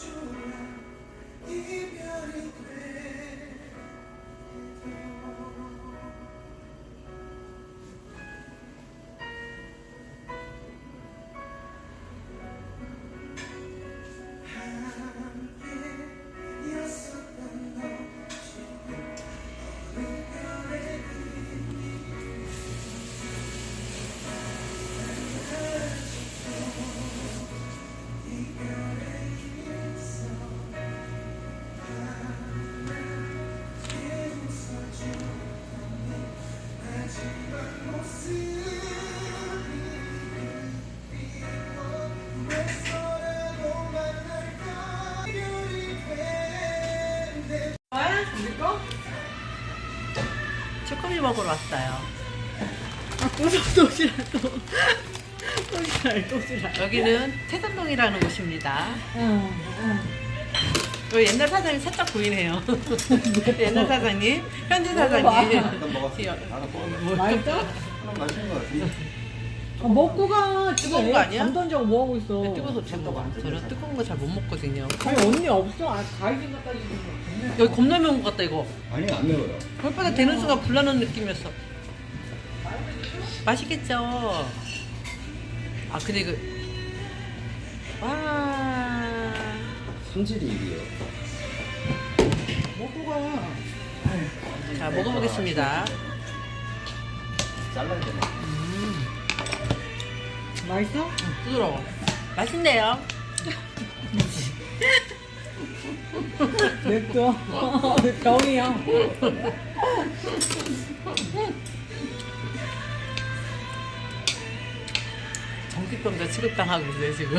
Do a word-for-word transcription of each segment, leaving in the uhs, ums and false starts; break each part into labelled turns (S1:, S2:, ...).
S1: 쭈꾸미 먹으러 왔어요. 아, 또 도시락 또. 도시락, 도시락. 여기는 태산동이라는 곳입니다. 응, 응. 여기 옛날 사장님 살짝 보이네요. 옛날 사장님, 현재 사장님.
S2: 맛있어?
S3: 맛있는 거 같은데.
S2: 아, 먹고 가.
S1: 뜨거운 거 아니야?
S2: 잠 던지고 뭐 하고 있어?
S1: 뜨거워서 잘 먹어. 저는 뜨거운 거 잘 못 먹거든요.
S2: 아니 언니 없어. 아, 가위진 갖다 주는 거.
S1: 여기 겁나 매운 것 같다 이거.
S3: 아니 안 매워요.
S1: 벌바닥 되는 순간 불나는 느낌이었어. 맛있겠죠? 아 근데 그 와.
S3: 손질이 이게요.
S2: 먹고 가.
S1: 자 먹어보겠습니다.
S3: 잘라야 되나?
S1: 음,
S2: 맛있어?
S1: 부드러워. 맛있네요.
S2: 맵죠? 병이야.
S1: 정신병자 취급당하고 있어요 지금.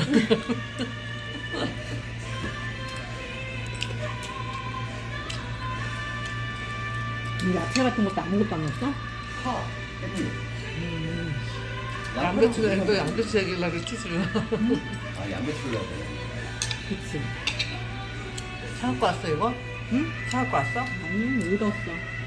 S2: 이 야채 같은 것도 아무것도 안 넣었어?
S3: 파, 깻잎.
S1: 양배추 또 양배추 얘기를 이렇게 주려.
S3: 아 양배추를 넣어야 돼.
S2: 그치.
S1: 사갖고 왔어 이거?
S2: 응?
S1: 사갖고 왔어?
S2: 아니, 의도 없어.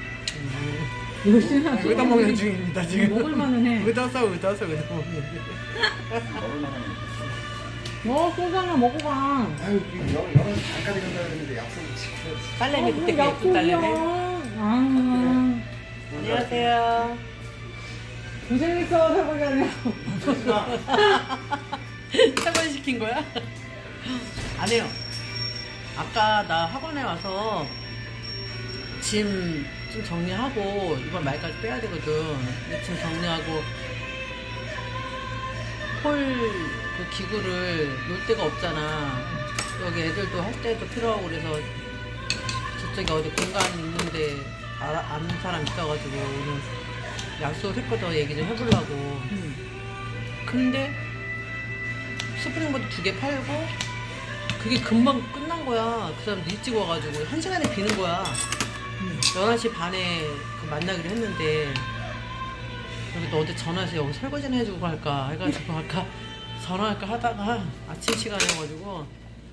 S2: 열심히 하지.
S1: 의다 먹는 중입니다 지금.
S2: 먹을만은 해.
S1: 의다서 의다서 의다 먹는 중.
S3: 먹을 만한.
S2: 어, 소주 하나 먹고 가.
S3: 아유 영 영은 잠깐 간다 그랬는데 약속을 지켜야지.
S1: 딸내미
S2: 어,
S1: 그때 그 예쁜
S2: 약속이야.
S1: 딸내미.
S2: 아,
S1: 안녕하세요.
S2: 고생했어, 설거지하네.
S1: 설거지 시킨 거야? 안 해요. 아까 나 학원에 와서 짐 좀 정리하고 이번 말까지 빼야 되거든. 근데 짐 정리하고 폴 그 기구를 놓을 데가 없잖아. 여기 애들도 할 때도 필요하고 그래서 저쪽에 어디 공간 있는데 알아, 아는 사람 있어가지고 오늘 약속을 했거든. 얘기 좀 해보려고. 근데 스프링보드 두 개 팔고 그게 금방 끝난 거야. 그 사람 일찍 와가지고 한 시간에 비는 거야. 열한 시 반에 그 만나기로 했는데 여기 너한테 전화해서 여기 설거지는 해주고 갈까 해가지고 아까 전화할까 하다가 아침 시간이어가지고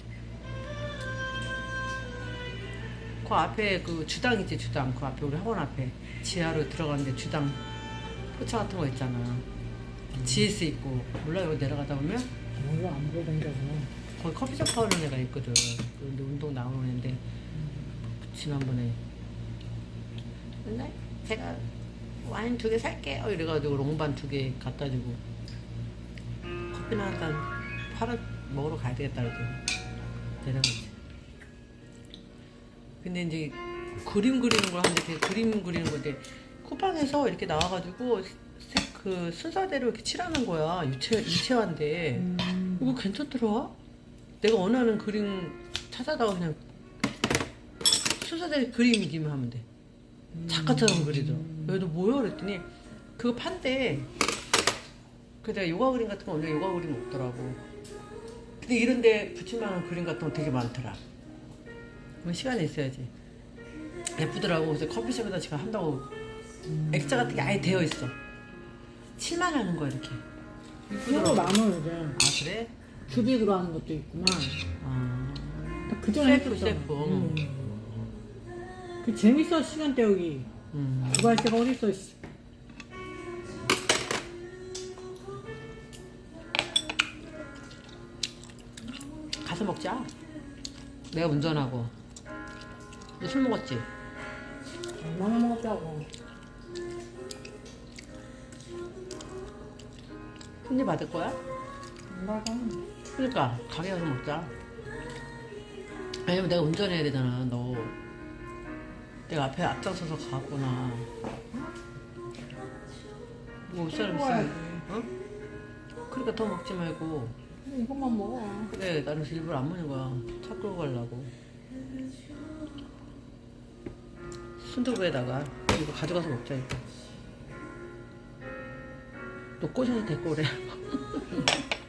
S1: 그 앞에 그 주당 있지 주당 그 앞에 우리 학원 앞에 지하로 들어가는데 주당 포차 같은 거 있잖아. 지에스 있고 몰라 여기 내려가다 보면
S2: 몰라, 안 보여댕겨서.
S1: 거기 커피숍 하는 애가 있거든. 근데 운동 나오는 애인데 지난번에 맨날 제가 와인 두 개 살게요 이래가지고 롱반 두 개 갖다 주고 커피나 한잔 팔아 먹으러 가야 되겠다 그래서 내려가지. 근데 이제 그림 그리는 걸 하는데 걔 그림 그리는 건데 쿠팡에서 이렇게 나와가지고 색 그 순서대로 이렇게 칠하는 거야. 유체 유체화인데
S2: 음.
S1: 이거 괜찮더라. 내가 원하는 그림 찾아다가 그냥 순서대로 그림이기만 하면 돼. 작가처럼 그리더라. 여기도 뭐야 그랬더니 그거 판대. 그래서 내가 요가 그림 같은 거 원래 요가 그림 없더라고. 근데 이런데 붙일만한 그림 같은 거 되게 많더라. 뭐 시간이 있어야지. 예쁘더라고. 그래서 커피숍에다 지금 한다고 액자 같은 게 아예 되어 있어. 칠만 하는 거야 이렇게.
S2: 그런 거 많아, 요즘.
S1: 아 그래?
S2: 큐빅 들어가는 것도 있구만.
S1: 아
S2: 그 전에
S1: 셀프
S2: 했었잖아.
S1: 셀프.
S2: 음. 그 재밌어, 시간 때우기.
S1: 음.
S2: 그거 할 때가 어딨어, 씨.
S1: 가서 먹자. 내가 운전하고. 너 술 먹었지?
S2: 얼마나 먹었다고.
S1: 손님 받을 거야?
S2: 안 받아.
S1: 그러니까 가게 가서 먹자. 왜냐면 내가 운전해야 되잖아. 너 내가 앞에 앞장서서 가구나. 뭐 올 사람
S2: 먹어야지.
S1: 있으면 어? 그러니까 더 먹지 말고.
S2: 이것만 먹어.
S1: 그래 나는 일부러 안 먹는 거야. 차 끌고 가려고. 순두부에다가 이거 가져가서 먹자 이거. 너 꼬셔서 데리고 오래.